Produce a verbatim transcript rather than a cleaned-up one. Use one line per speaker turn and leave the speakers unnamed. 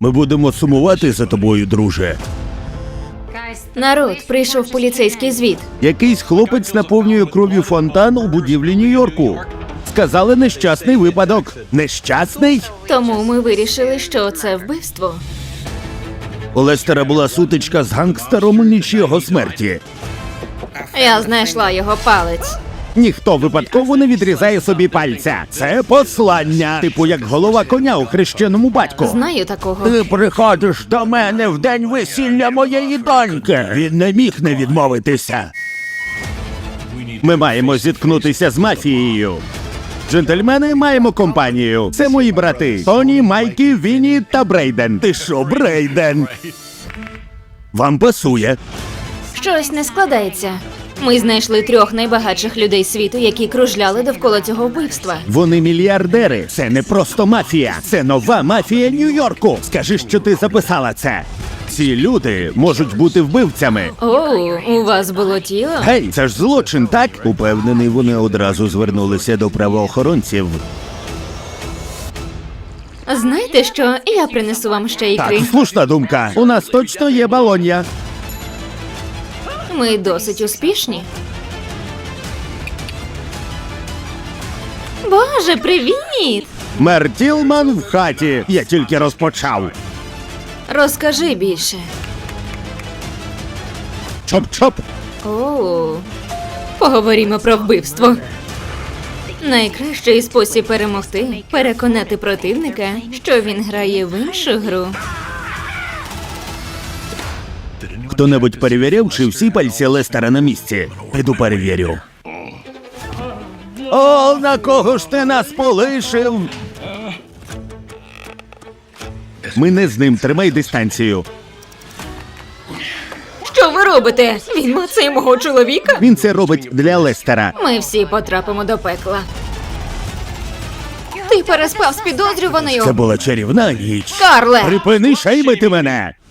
Ми будемо сумувати за тобою, друже.
Народ, прийшов поліцейський звіт.
Якийсь хлопець наповнює кров'ю фонтан у будівлі Нью-Йорку. Сказали, нещасний випадок. Нещасний?
Тому ми вирішили, що це вбивство.
У Лестера була сутичка з гангстером у ніч його смерті.
Я знайшла його палець.
Ніхто випадково не відрізає собі пальця. Це послання. Типу як голова коня у хрещеному батьку.
Знаю такого.
Ти приходиш до мене в день весілля моєї доньки. Він не міг не відмовитися. Ми маємо зіткнутися з мафією. Джентльмени, маємо компанію. Це мої брати. Тоні, Майкі, Вінні та Брейден. Ти що, Брейден? Вам пасує.
Щось не складається. Ми знайшли трьох найбагатших людей світу, які кружляли довкола цього вбивства.
Вони мільярдери. Це не просто мафія. Це нова мафія Нью-Йорку. Скажи, що ти записала це. Ці люди можуть бути вбивцями.
Оу, у вас було тіло?
Гей, це ж злочин, так? Упевнений, вони одразу звернулися до правоохоронців.
Знаєте що? Я принесу вам ще ікри.
Так, слушна думка. У нас точно є балонья.
Ми досить успішні. Боже, привіт!
Мер Тілман в хаті. Я тільки розпочав.
Розкажи більше.
Чоп-чоп.
Оу. Поговоримо про вбивство. Найкращий спосіб перемогти – переконати противника, що він грає в іншу гру.
Хто-небудь перевіряв, чи всі пальці Лестера на місці? Піду перевірю. О, на кого ж ти нас полишив? Ми не з ним, тримай дистанцію.
Що ви робите? Він мацає мого чоловіка?
Він це робить для Лестера.
Ми всі потрапимо до пекла. Ти переспав з підозрюваною?
Це була чарівна ніч.
Карле!
Припини шеймити мене!